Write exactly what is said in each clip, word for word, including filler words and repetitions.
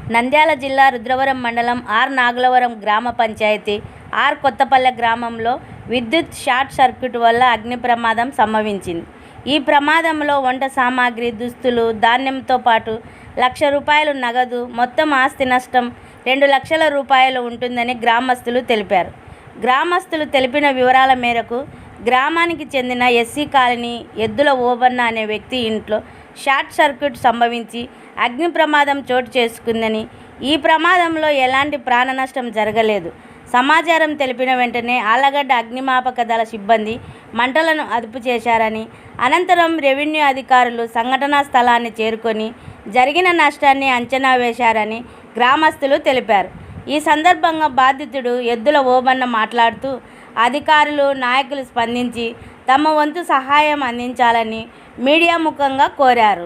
నంద్యాల జిల్లా రుద్రవరం మండలం ఆర్ నాగలవరం గ్రామ పంచాయతీ ఆర్ కొత్తపల్లె గ్రామంలో విద్యుత్ షార్ట్ సర్క్యూట్ వల్ల అగ్ని ప్రమాదం సంభవించింది. ఈ ప్రమాదంలో వంట సామాగ్రి, దుస్తులు, ధాన్యంతో పాటు లక్ష రూపాయలు నగదు, మొత్తం ఆస్తి నష్టం రెండు లక్షల రూపాయలు ఉంటుందని గ్రామస్తులు తెలిపారు. గ్రామస్తులు తెలిపిన వివరాల మేరకు గ్రామానికి చెందిన ఎస్సీ కాలనీ ఎద్దుల ఓబన్న అనే వ్యక్తి ఇంట్లో షార్ట్ సర్క్యూట్ సంభవించి అగ్ని ప్రమాదం చోటు చేసుకుందని, ఈ ప్రమాదంలో ఎలాంటి ప్రాణ నష్టం జరగలేదు. సమాచారం తెలిపిన వెంటనే ఆళ్లగడ్డ అగ్నిమాపక దళ సిబ్బంది మంటలను అదుపు చేశారని, అనంతరం రెవెన్యూ అధికారులు సంఘటనా స్థలాన్ని చేరుకొని జరిగిన నష్టాన్ని అంచనా వేశారని గ్రామస్తులు తెలిపారు. ఈ సందర్భంగా బాధితుడు ఎద్దుల ఓబన్న మాట్లాడుతూ అధికారులు, నాయకులు స్పందించి తమ వంతు సహాయం అందించాలని మీడియా ముఖంగా కోరారు.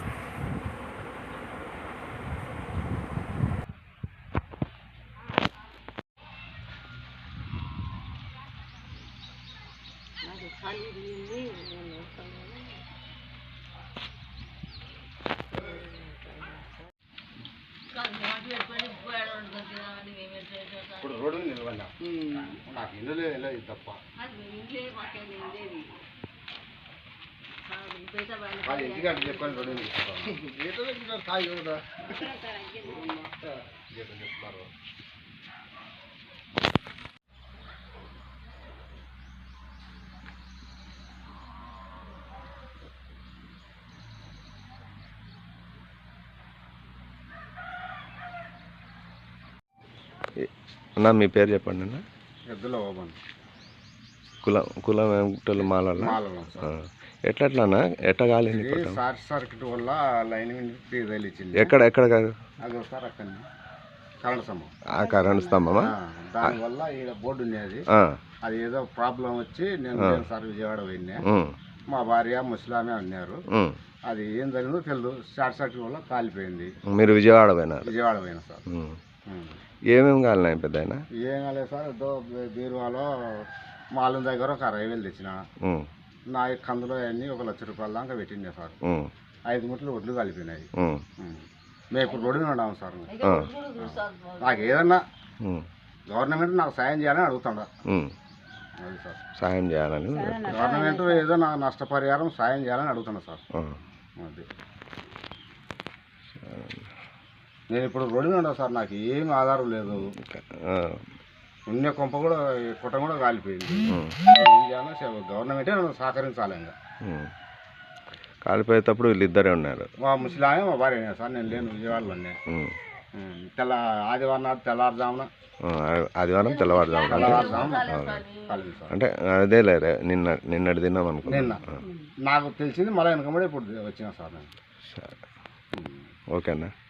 ఇప్పుడు రోడ్డు నిలబడినా నాకు ఇల్లు లేదు తప్ప అది ఇంటికంటే చెప్పని రోడ్డు కాదు చెప్తారు. అన్నా మీ పేరు చెప్పండి అన్న. ఎద్దుల ఓబన్న. కులం కులం ఏమిటో మాల ఎట్లట్లన్నా ఎట్లా కాలేదు? షార్ట్ సర్క్యూట్ వల్ల లైన్ తగిలించింది. ఎక్కడ ఎక్కడ కాదు అది ఒకసారి అక్కడ కరెంట్ స్తంభం. ఆ కరెంట్ స్తంభమా? దానివల్ల ఈడ బోర్డు ఉండేది, అది ఏదో ప్రాబ్లం వచ్చి నేను సార్ విజయవాడ పోయినా, మా భార్య ముస్లామే అన్నారు. అది ఏం జరిగిందో తెలియదు, షార్ట్ సర్క్యూట్ వల్ల కాలిపోయింది. మీరు విజయవాడ పోయినా? విజయవాడ పోయినా సార్. ఏమేమి కాలినాయి పెద్ద? ఏం కాలేదు సార్, ఏదో బీరువాలో మాలం దగ్గర ఒక అరవై వేలు తెచ్చిన, నా కందులో అన్నీ ఒక లక్ష రూపాయల దాకా పెట్టిండే సార్. ఐదు ముట్లు ఒడ్లు కలిపినాయి. మేము ఇప్పుడు రోడ్డు మీద ఉన్నాము సార్. నాకు ఏదన్నా గవర్నమెంట్ నాకు సాయం చేయాలని అడుగుతుండ. అది సార్, సాయం చేయాలని గవర్నమెంట్ ఏదో నాకు నష్టపరిహారం సాయం చేయాలని అడుగుతున్నా సార్. అది నేను ఇప్పుడు రోడ్డు మీద ఉన్నా సార్, నాకు ఏం ఆధారం లేదు. ఉన్న కొంప కూడా కుట్ట కూడా కాలిపోయింది. ఏం చేయాలో గవర్నమెంటే నన్ను సహకరించాలి. ఇంకా కాలిపోయేటప్పుడు వీళ్ళిద్దరే ఉన్నారు, మా ముసలామే మా భార్య సార్. నేను లేను, విజయవాడలోనే. తెల్ల ఆదివారం నాడు తెల్లవారుజామున ఆదివారం తెల్లవారుజామున తెల్లవారుజామున అంటే అదే లేరే నిన్న నిన్నటి తిన్నాం అనుకో. నిన్న నాకు తెలిసింది మళ్ళీ వెనకబడి ఇప్పుడు వచ్చినా సార్ నేను. ఓకేనా?